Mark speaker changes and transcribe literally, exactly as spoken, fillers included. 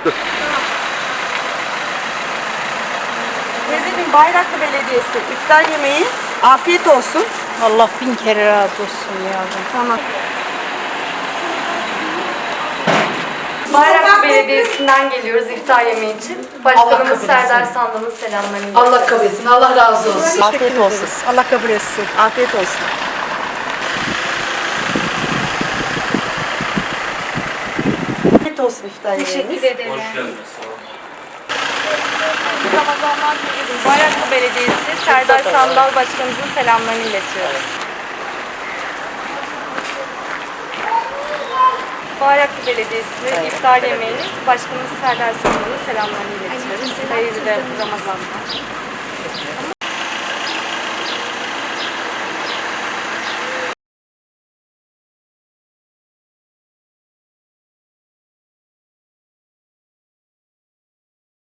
Speaker 1: Teyzeciğim, Bayraklı Belediyesi iftar yemeği, afiyet olsun.
Speaker 2: Allah bin kere razı olsun yavrum.
Speaker 1: Tamam. Bayraklı Belediyesi'nden geliyoruz iftar yemeği için. Başkanımız Serdar Sandal'ın selamlarını
Speaker 3: Allah kabul etsin. Allah razı olsun.
Speaker 1: Afiyet olsun.
Speaker 2: Allah kabul etsin.
Speaker 1: Afiyet olsun. Afiyet olsun iftar yemeğiniz.
Speaker 2: Teşekkür ederim.
Speaker 1: Ramazanlar diliyoruz. Bayraklı Belediyesi Serdar Sandal Başkanımızın selamlarını iletiyoruz. Bayraklı Belediyesi iftar yemeğiniz Başkanımız Serdar Sandal'ın selamlarını iletiyoruz. Hayırlı Ramazanlar.